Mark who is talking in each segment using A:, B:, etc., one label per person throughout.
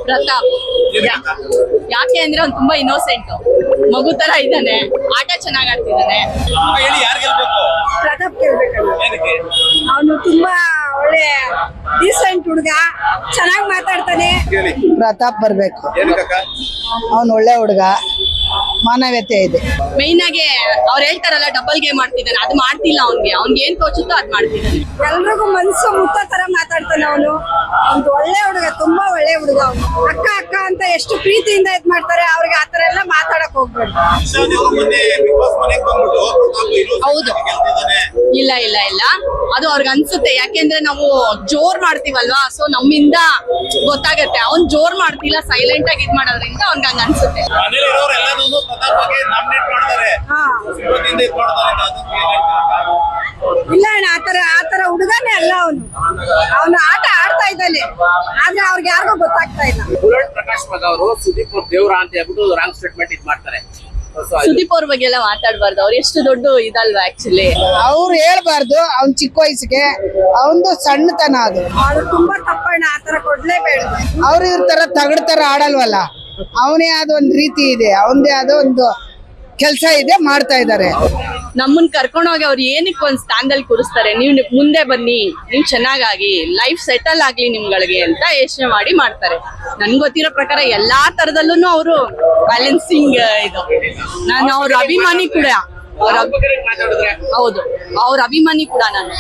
A: ಪ್ರತಾಪ್. ಯಾಕೆ ಅಂದ್ರೆ ಅವ್ನು ತುಂಬಾ ಇನ್ನೋಸೆಂಟ್, ಮಗು ತರ ಇದ್ದಾನೆ, ಆಟ ಚೆನ್ನಾಗ್ ಆಡ್ತಿದ್ದಾನೆ.
B: ಹೇಳಿ ಯಾರು ಗೆಲ್ಬೇಕು?
C: ಪ್ರತಾಪ್ ಗೆಲ್ಬೇಕಲ್ಲ.
B: ಏನಕ್ಕೆ?
C: ಅವನು ತುಂಬಾ ಒಳ್ಳೆ ಡೀಸೆಂಟ್ ಹುಡುಗ, ಚೆನ್ನಾಗಿ ಮಾತಾಡ್ತಾನೆ.
B: ಹೇಳಿ
D: ಪ್ರತಾಪ್ ಬರ್ಬೇಕು.
B: ಏನಕ್ಕ?
D: ಅವನು ಒಳ್ಳೆ ಹುಡುಗ, ಮಾನವೀಯತೆ ಇದೆ.
A: ಮೈನ್ ಆಗಿ ಅವ್ರು ಹೇಳ್ತಾರಲ್ಲ ಡಬಲ್ ಗೇಮ್ ಮಾಡ್ತಿದ್ದಾನೆ, ಅದು ಮಾಡ್ತಿಲ್ಲ. ಅವ್ನ್ಗೆ ಏನ್ ತೋಚುತ್ತೋ ಅದ್ ಮಾಡ್ತಿದ್ದಾನೆ.
C: ಎಲ್ರಿಗೂ ಮನ್ಸು ಮುತ್ತ ತರ ಮಾತಾಡ್ತಾನೆ ಅವನು. ಒಂದು ಒಳ್ಳೆ ಹುಡುಗ, ತುಂಬಾ ಒಳ್ಳೆ ಹುಡುಗ ಅವನು. ಅಕ್ಕ ಅಕ್ಕ ಅಂತ ಎಷ್ಟು ಪ್ರೀತಿಯಿಂದ ಇದ್ ಮಾಡ್ತಾರೆ, ಅವ್ರಿಗೆ ಆತರ ಎಲ್ಲ ಮಾತಾಡಕ್ ಹೋಗ್ಬೇಡಿ.
B: ಇಶಾನ್ ಅವರು ಮೊನ್ನೆ ಬಿಗ್ ಬಾಸ್ ಮನೆಗೆ ಬಂದ್ಬಿಟ್ಟು ಪ್ರತಾಪ್ ಇನ್ನೊಂದ್
A: ಹೌದು.
B: ಗೆಲ್ತಿದ್ದಾನೆ.
A: ಇಲ್ಲ ಇಲ್ಲ ಇಲ್ಲ, ಅದು ಅವ್ರಿಗೆ ಅನ್ಸುತ್ತೆ. ಯಾಕೆಂದ್ರೆ ನಾವು ಜೋರ್ ಮಾಡ್ತೀವಲ್ವಾ, ಸೊ ನಮ್ಮಿಂದ ಗೊತ್ತಾಗತ್ತೆ. ಅವ್ನ್ ಜೋರ್ ಮಾಡ್ತಿಲ್ಲ, ಸೈಲೆಂಟ್ ಆಗಿ ಇದ್ ಮಾಡೋದ್ರಿಂದ ಅವ್ನ್ಗೆ ಹಂಗ ಅನ್ಸುತ್ತೆ.
B: ಮನೇಲಿ ಇರೋರು ಎಲ್ಲರೂ ಪ್ರತಾಪ್ ಬಗ್ಗೆ ನಾಮಿನೇಟ್ ಮಾಡ್ತಾರೆ,
C: ಹಾ
B: ಸಿಂಪತಿಯಿಂದ ಇದ್ ಮಾಡ್ತಾರೆ. ಅದಕ್ಕೆ ಏನ್ ಹೇಳ್ತೀರಾ?
C: ಇಲ್ಲ ಅಣ್ಣ, ಆತರ ಹುಡುಗನೇ ಅಲ್ಲ ಅವನು. ಅವನು ಆಟ ಆಡ್ತಾ ಇದ್ದಾನೆ, ಆದ್ರೆ ಅವ್ರಿಗೆ ಯಾರಿಗೂ ಗೊತ್ತಾಗ್ತಾ ಇಲ್ಲ.
E: ಬುಲೆಟ್ ಪ್ರಕಾಶ್ ಮಗ ಅವರು ಸುದೀಪ್ ಅವ್ರ ದೇವ್ರ ಅಂತ ಹೇಳ್ಬಿಟ್ಟು ರಾಂಗ್ ಸ್ಟೇಟ್ಮೆಂಟ್ ಇದ್ ಮಾಡ್ತಾರೆ.
A: ಸುದೀಪ್ ಅವ್ರ ಬಗ್ಗೆ ಎಲ್ಲ ಮಾತಾಡ್ಬಾರ್ದು, ಅವ್ರು ಎಷ್ಟು ದೊಡ್ಡ ಇದಲ್ವಾ ಆಕ್ಚುಲಿ.
D: ಅವ್ರು ಹೇಳ್ಬಾರ್ದು, ಅವ್ನ್ ಚಿಕ್ಕ ವಯಸ್ಸಿಗೆ ಅವಂದು ಸಣ್ಣತನ ಅದು.
C: ಅವ್ರು ತುಂಬಾ ತಪ್ಪಣ್ಣ, ಆತರ ಕೊಡ್ಲೇಬೇಡ.
D: ಅವ್ರು ಇವ್ರ ತರ ತಗಡ್ ತರ ಆಡಲ್ವಲ್ಲ. ಅವನೇ ಆದ ಒಂದ್ ರೀತಿ ಇದೆ, ಅವಂದೇ ಆದ ಒಂದು ಕೆಲ್ಸ ಇದೆ, ಮಾಡ್ತಾ ಇದಾರೆ.
A: ನಮ್ಮನ್ ಕರ್ಕೊಂಡೋಗಿ ಅವ್ರು ಏನಕ್ಕೆ ಒಂದ್ ಸ್ಥಾನದಲ್ಲಿ ಕೂರಿಸ್ತಾರೆ, ನೀವು ಮುಂದೆ ಬನ್ನಿ, ನೀವು ಚೆನ್ನಾಗಾಗಿ ಲೈಫ್ ಸೆಟಲ್ ಆಗ್ಲಿ ನಿಮ್ಗಳಿಗೆ ಅಂತ ಯೋಚನೆ ಮಾಡಿ ಮಾಡ್ತಾರೆ. ನನ್ಗೆ ಗೊತ್ತಿರೋ ಪ್ರಕಾರ ಎಲ್ಲಾ ತರದಲ್ಲೂ ಅವರು ಬ್ಯಾಲೆನ್ಸಿಂಗ್ ಇದು. ನಾನು ಅವ್ರ ಅಭಿಮಾನಿ ಕೂಡ.
E: ಮಾತಾಡಿದ್ರೆ
A: ಹೌದು, ಅವ್ರ ಅಭಿಮಾನಿ ಕೂಡ ನಾನು.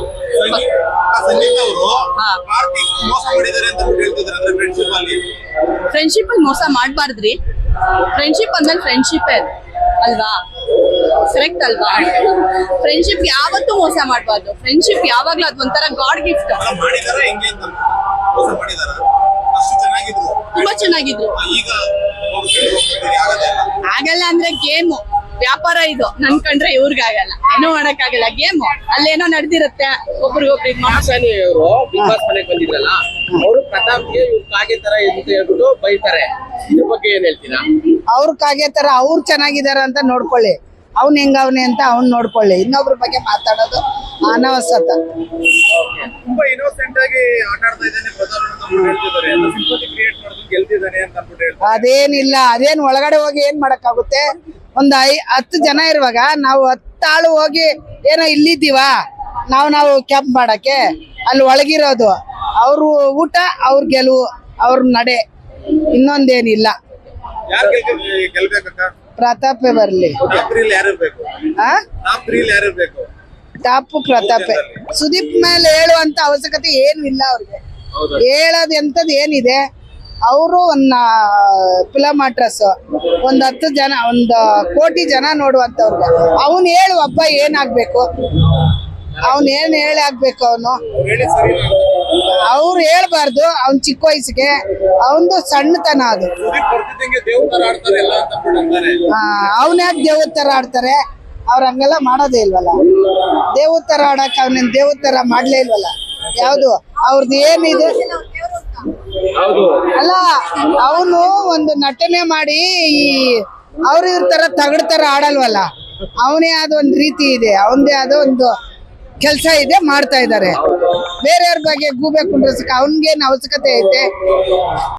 B: ಸಂಗೀತ ಅವರು
A: ಹಾ.
B: ಕಾರ್ತಿಕ್ ಮೋಸ ಮಾಡಿದ್ದಾರೆ ಅಂತ ಹೇಳ್ತಿದ್ದಾರೆ, ಅಂದ್ರೆ ಫ್ರೆಂಡ್ಶಿಪ್ ಅಲ್ಲಿ.
A: ಫ್ರೆಂಡ್ಶಿಪ್ ಅಲ್ಲಿ ಮೋಸ ಮಾಡ್ಬಾರ್ದ್ರಿ. ಫ್ರೆಂಡ್ಶಿಪ್ ಅಂದ್ಮೇಲೆ ಫ್ರೆಂಡ್ಶಿಪ್ ಅಲ್ವಾ, ಕರೆಕ್ಟ್ ಅಲ್ವಾ? ಫ್ರೆಂಡ್ಶಿಪ್ ಯಾವತ್ತೂ ಮೋಸ ಮಾಡ್ಬಾರ್ದು. ಫ್ರೆಂಡ್ಶಿಪ್ ಯಾವಾಗ್ಲೂ ಅದು ಒಂಥರ ಗಾಡ್ ಗಿಫ್ಟ್.
B: ಅಲ್ಲ ಮಾಡಿದಾರ ಹೆಂಗೆ ಅಂತ ಮೋಸ ಮಾಡಿದಾರ? ಅಷ್ಟು ಚೆನ್ನಾಗಿದ್ರು,
A: ತುಂಬಾ ಚೆನ್ನಾಗಿದ್ರು.
B: ಈಗ ಆಗತ್ತೆ
A: ಆಗಲ್ಲ ಅಂದ್ರೆ ಗೇಮ್ ವ್ಯಾಪಾರ ಇದು. ನನ್ ಕಂಡ್ರೆ ಇವ್ರಿಗಾಗಲ್ಲ, ಏನೋ ಮಾಡಕ್ ಆಗಲ್ಲ. ಗೇಮ್ ಅಲ್ಲೇನೋ ನಡೆದಿರುತ್ತೆ, ಒಬ್ರಿಗೊಬ್ರು ಇದ್ ಮಾಡಿ.
E: ಆಶಾನಿ ಅವರು ಬಿಗ್ ಬಾಸ್ ಮನೆಗೆ ಬಂದಿದ್ರಲ್ಲ, ಅವರು ಪ್ರತಾಪ್ಗೆ ಇವ್ರು ಕಾಗೆ ತರ ಅಂತ ಹೇಳ್ಬಿಟ್ಟು ಬೈತಾರೆ. ಇದ್ರ ಬಗ್ಗೆ ಏನ್ ಹೇಳ್ತೀರಾ?
D: ಅವ್ರ ಕಾಗೆ ತರ ಅವ್ರು ಚೆನ್ನಾಗಿದಾರ ಅಂತ ನೋಡ್ಕೊಳ್ಳಿ, ಅವ್ನ್ ಹೆಂಗವ್ನೆ ಅಂತ ಅವ್ನ್ ನೋಡ್ಕೊಳ್ಳಿ. ಇನ್ನೊಬ್ರ ಬಗ್ಗೆ ಮಾತಾಡೋದು ಅನವಶ್ಯಕ.
B: ತುಂಬಾ ಇನ್ನೋಸೆಂಟ್ ಆಗಿ ಆಟ ಆಡ್ತಾ ಇದ್ದಾನೆ ಪ್ರತಾಪ್ ಅಂತ ಹೇಳ್ತಿದ್ದಾರೆ. ಸಿಂಪತಿ ಕ್ರಿಯೇಟ್ ಮಾಡೋದು ಗೆಲ್ತಿದ್ದಾನೆ ಅಂತ ಅಂದ್ಬಿಟ್ಟು ಹೇಳ್ತಾರೆ.
D: ಅದೇನಿಲ್ಲ, ಅದೇನ್ ಒಳಗಡೆ ಹೋಗಿ ಏನ್ ಮಾಡಕ್ಕಾಗುತ್ತೆ? ಒಂದ್ 10 ಜನ ಇರುವಾಗ ನಾವು 10 ಆಳು ಹೋಗಿ ಏನೋ ಇಲ್ಲಿದ್ದೀವ ನಾವು ಕ್ಯಾಂಪ್ ಮಾಡಕ್ಕೆ? ಅಲ್ಲಿ ಒಳಗಿರೋದು ಅವ್ರು ಊಟ, ಅವ್ರ ಗೆಲುವು, ಅವ್ರ ನಡೆ, ಇನ್ನೊಂದೇನಿಲ್ಲ.
B: ಯಾರು ಗೆಲ್ಬೇಕಕ್ಕ?
D: ಪ್ರತಾಪೇ ಬರ್ಲಿ.
B: ಟಾಪ್ 3 ಯಾರು ಇರ್ಬೇಕು?
D: ಆ
B: ಟಾಪ್ 3 ಯಾರು ಇರ್ಬೇಕು?
D: ಟಾಪ್ ಪ್ರತಾಪೇ. ಸುದೀಪ್ ಮೇಲೆ ಹೇಳುವಂತ ಅವಶ್ಯಕತೆ ಏನು ಇಲ್ಲ ಅವ್ರಿಗೆ. ಹೇಳೋದ್ ಎಂತದ್ ಏನಿದೆ? ಅವರು ಒಂದು ಫಿಲಮ್ ಆಕ್ಟ್ರೆಸ್, ಒಂದ್ 10 ಜನ, 1 ಕೋಟಿ ಜನ ನೋಡುವಂತವ್ರಿಗೆ ಅವನ್ ಹೇಳು ಹಬ್ಬ ಏನಾಗ್ಬೇಕು? ಅವನ್ ಏನ್ ಹೇಳಿ ಆಗ್ಬೇಕು? ಅವನು
B: ಹೇಳಿ ಸರಿ.
D: ಅವ್ರು ಹೇಳ್ಬಾರ್ದು, ಅವ್ನ್ ಚಿಕ್ಕ ವಯಸ್ಸಿಗೆ ಅವಂದು ಸಣ್ಣತನ ಅದು.
B: ಸುದೀಪ್ ಬರ್ತಿದ್ದಂಗೆ ದೇವ್ರ ತರ ಆಡ್ತಾರೆ ಎಲ್ಲ ಅಂತ ಅಂತಾರೆ.
D: ಅವ್ನ್ಯಾಕ್ ದೇವ್ರ ತರ ಆಡ್ತಾರೆ? ಅವ್ರ ಹಂಗೆಲ್ಲ ಮಾಡೋದೇ ಇಲ್ವಲ್ಲ. ದೇವ್ರ ತರ ಆಡಕ್ ಅವ್ನೇನ್ ದೇವ್ರ ತರ ಮಾಡ್ಲೇ ಇಲ್ವಲ್ಲ. ಯಾವ್ದು ಅವ್ರದ್ದು ಏನಿದೆ? ಅಲ್ಲ, ಅವನು ಒಂದು ನಟನೆ ಮಾಡಿ ಅವ್ರ ಇವ್ರ ತರ ತಗಡ್ ತರ ಆಡಲ್ವಲ್ಲ. ಅವನೇ ಆದ ಒಂದ್ ರೀತಿ ಇದೆ, ಅವಂದೇ ಆದ ಒಂದು ಕೆಲ್ಸ ಇದೆ, ಮಾಡ್ತಾ ಇದಾರೆ. ಬೇರೆಯವ್ರ ಬಗ್ಗೆ ಗೂಬೆ ಕುಂಡ್ರಸಕ್ಕೆ ಅವನ್ಗೇನ್ ಅವಶ್ಯಕತೆ ಐತೆ?